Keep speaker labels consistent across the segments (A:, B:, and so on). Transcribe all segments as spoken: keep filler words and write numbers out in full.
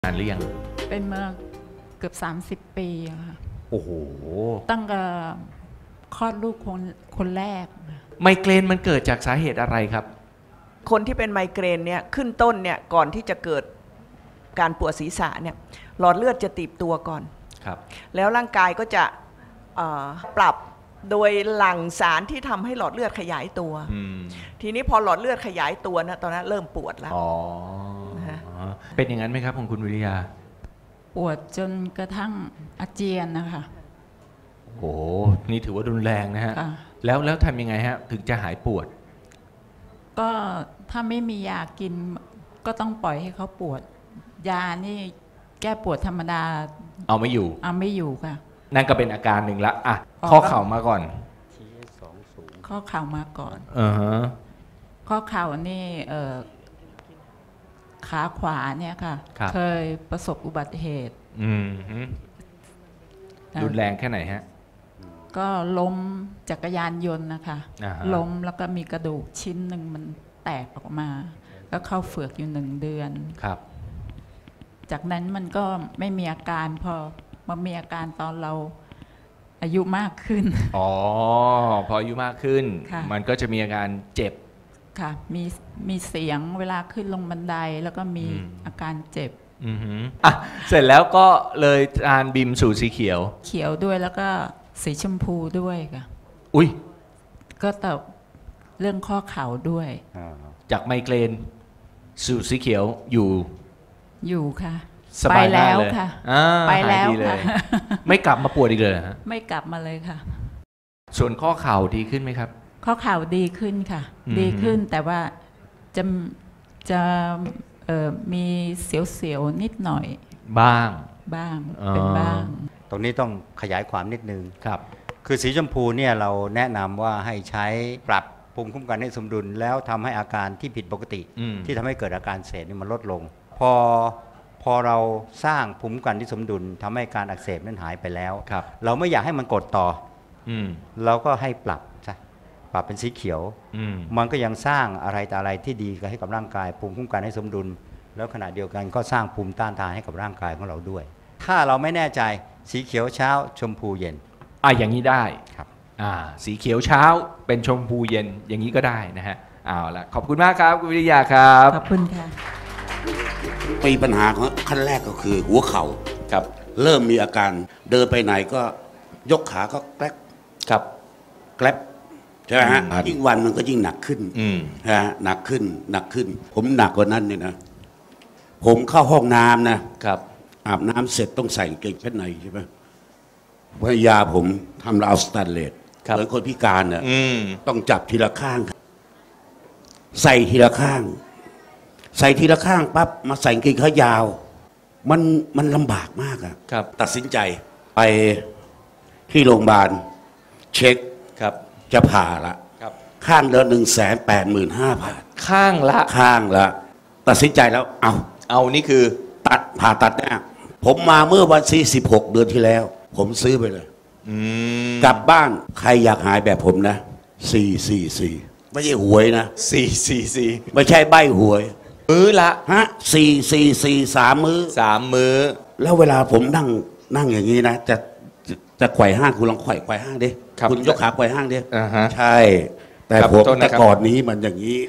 A: นานหรือยัง
B: เป็นมาเกือบสามสิบปีค่ะ
A: โอ้โห
B: ตั้งแต่คลอดลูกคนคนแรก
A: ไมเกรนมันเกิดจากสาเหตุอะไรครับ
C: คนที่เป็นไมเกรนเนี่ยขึ้นต้นเนี่ยก่อนที่จะเกิดการปวดศีรษะเนี่ยหลอดเลือดจะตีบตัวก่อน
A: ครับ
C: แล้วร่างกายก็จะปรับโดยหลั่งสารที่ทำให้หลอดเลือดขยายตัวทีนี้พอหลอดเลือดขยายตัวนะตอนนั้นเริ่มปวดแล้ว
A: เป็นอย่างนั้นไหมครับของคุณวิริยา
B: ปวดจนกระทั่งอาเจียนนะคะ
A: โอ้นี่ถือว่ารุนแรงนะฮะแล้วแล้วทำยังไงฮะถึงจะหายปวด
B: ก็ถ้าไม่มียากินก็ต้องปล่อยให้เขาปวดยานี่แก้ปวดธรรมดา
A: เอาไม่อยู่
B: เอาไม่อยู่ค่ะ
A: นั่นก็เป็นอาการหนึ่งละอ่ะข้อเข่ามาก่อน
B: ข้อเข่ามาก่อน
A: อือฮะ
B: ข้อเข่านี่เอ่อขาขวาเนี่ยค่ะเคยประสบอุบัติเหตุ
A: อืมรุนแรงแค่ไหนฮะ
B: ก็ล้มจักรยานยนต์นะคะล้มแล้วก็มีกระดูกชิ้นหนึ่งมันแตกออกมาก็เข้าเฝือกอยู่หนึ่งเดือน
A: ครับ
B: จากนั้นมันก็ไม่มีอาการพอมามีอาการตอนเราอายุมากขึ้น
A: อ๋อพออายุมากขึ้นมันก็จะมีอาการเจ็บ
B: ค่ะมีมีเสียงเวลาขึ้นลงบันไดแล้วก็มีอาการเจ็บ
A: อือหืออ่ะเสร็จแล้วก็เลยทานบิมสูตรสีเขียว
B: เขียวด้วยแล้วก็สีชมพูด้วยค่ะ
A: อุ้ย
B: ก็แต่เรื่องข้อเข่าด้วย
A: จากไมเกรนสูตรสีเขียวอยู่
B: อยู่ค่ะ
A: ไปแล้ว
B: ค่ะไปแล้วค่ะ
A: ไม่กลับมาปวดอีกเลยฮะ
B: ไม่กลับมาเลยค่ะ
A: ส่วนข้อเข่าดีขึ้นไหมครับ
B: ข้อเข่าดีขึ้นค่ะดีขึ้นแต่ว่าจะจะมีเสียวๆนิดหน่อย
A: บ้าง
B: บ้างเป็นบ้าง
D: ตรงนี้ต้องขยายความนิดนึง
A: ครับ
D: คือสีชมพูเนี่ยเราแนะนำว่าให้ใช้ปรับภูมิคุ้มกันให้สมดุลแล้วทำให้อาการที่ผิดปกติที่ทำให้เกิดอาการเสพนี่มันลดลงพอพอเราสร้างภูมิคุ้มกันที่สมดุลทำให้การอักเสบนั้นหายไปแล้วเราไม่อยากให้มันกดต่อเราก็ให้ปรับซะปรับเป็นสีเขียวมันก็ยังสร้างอะไรแต่อะไรที่ดีให้กับร่างกายภูมิคุ้มกันให้สมดุลแล้วขณะเดียวกันก็สร้างภูมิต้านทานให้กับร่างกายของเราด้วยถ้าเราไม่แน่ใจสีเขียวเช้าชมพูเย็น
A: อ่ะอย่างนี้ได้
D: ครับ
A: อ่าสีเขียวเช้าเป็นชมพูเย็นอย่างนี้ก็ได้นะฮะเอาละขอบคุณมากครับคุณวิริยาครับ
B: ขอบคุณค่ะ
E: มีปัญหาของขั้นแรกก็คือหัวเข่าครับเริ่มมีอาการเดินไปไหนก็ยกขาก็แกลบ
A: ครับ
E: แกลบใช่ไหมฮะยิ่งวันมันก็ยิ่งหนักขึ้นฮะหนักขึ้นหนักขึ้นผมหนักกว่านั้นเนี่ยนะผมเข้าห้องน้ำนะครับอาบน้ำเสร็จต้องใส่กางเกงชั้นในใช่ไหมภรรยาผมทำราวสแตนเลสเหมือนคนพิการน่ะต้องจับทีละข้างใส่ทีละข้างใส่ทีละข้างปั๊บมาใส่กางเกงขายาวมันมันลำบากมากอะตัดสินใจไปที่โรงพยาบาลเช็ค
A: ครับ
E: จะผ่าละข้างเดือนหนึ่งแสนแปดหมื่นห้าพัน
A: ข้างละ
E: ข้างละตัดสินใจแล้วเอา
A: เอานี่คือ
E: ตัดผ่าตัดเนี่ยผมมาเมื่อวันที่สิบหกเดือนที่แล้วผมซื้อไปเลยกลับบ้านใครอยากหายแบบผมนะสี่สี่สี่ไม่ใช่หวยนะ
A: สี่สี่สี่
E: ไม่ใช่ใบหวย
A: มื้อละ
E: ฮะสี่สี่สี่สามมื้อ
A: สามมื้อ
E: แล้วเวลาผมนั่งนั่งอย่างนี้นะจะจะไขว่ห้างคุณลองไขว่ไขว่ห้างดิคุณยกขาไขว่ห้างดิใช่แต่ผมแต่ก่อนนี้มันอย่างนี้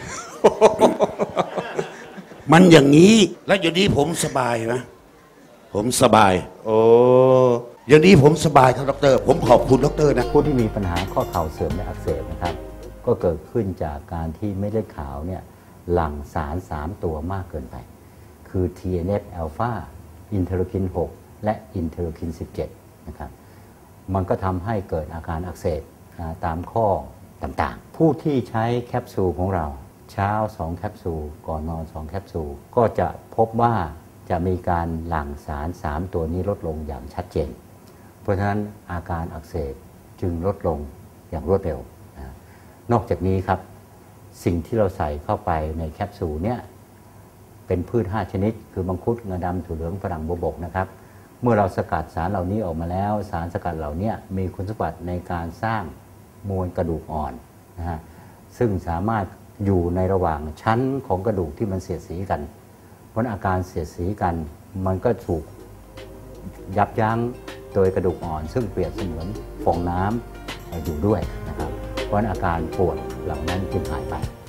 E: มันอย่างนี้แล้วอยู่นี้ผมสบายนะผมสบาย
A: โอ้
E: อย่างนี้ผมสบายครับดร.ผมขอบคุณดร.นะ
D: ผู้ที่มีปัญหาข้อเข่าเสื่อมและอักเสบนะครับก็เกิดขึ้นจากการที่เม็ดเลือดขาวเนี่ยหลั่งสารสามตัวมากเกินไปคือ ที เอ็น เอฟ อัลฟา อินเทอร์ลูคินหกและอินเทอร์ลูคินสิบเจ็ดนะครับมันก็ทำให้เกิดอาการอักเสบตามข้อต่างๆผู้ที่ใช้แคปซูลของเราเช้าสองแคปซูลก่อนนอนสองแคปซูลก็จะพบว่าจะมีการหลั่งสารสามตัวนี้ลดลงอย่างชัดเจนเพราะฉะนั้นอาการอักเสบจึงลดลงอย่างรวดเร็วนะนอกจากนี้ครับสิ่งที่เราใส่เข้าไปในแคปซูลเนี่ยเป็นพืชห้าชนิดคือมังคุดงาดำถั่วเหลืองฝรั่งบัวบกนะครับเมื่อเราสกัดสารเหล่านี้ออกมาแล้วสารสกัดเหล่านี้มีคุณสมบัติในการสร้างมวลกระดูกอ่อนนะฮะซึ่งสามารถอยู่ในระหว่างชั้นของกระดูกที่มันเสียดสีกันเพราะอาการเสียดสีกันมันก็ถูกยับยั้งโดยกระดูกอ่อนซึ่งเปรียบเสมือนฟองน้ำอยู่ด้วยนะครับเพราะฉะนั้นอาการปวดเหล่านั้นจึงหายไป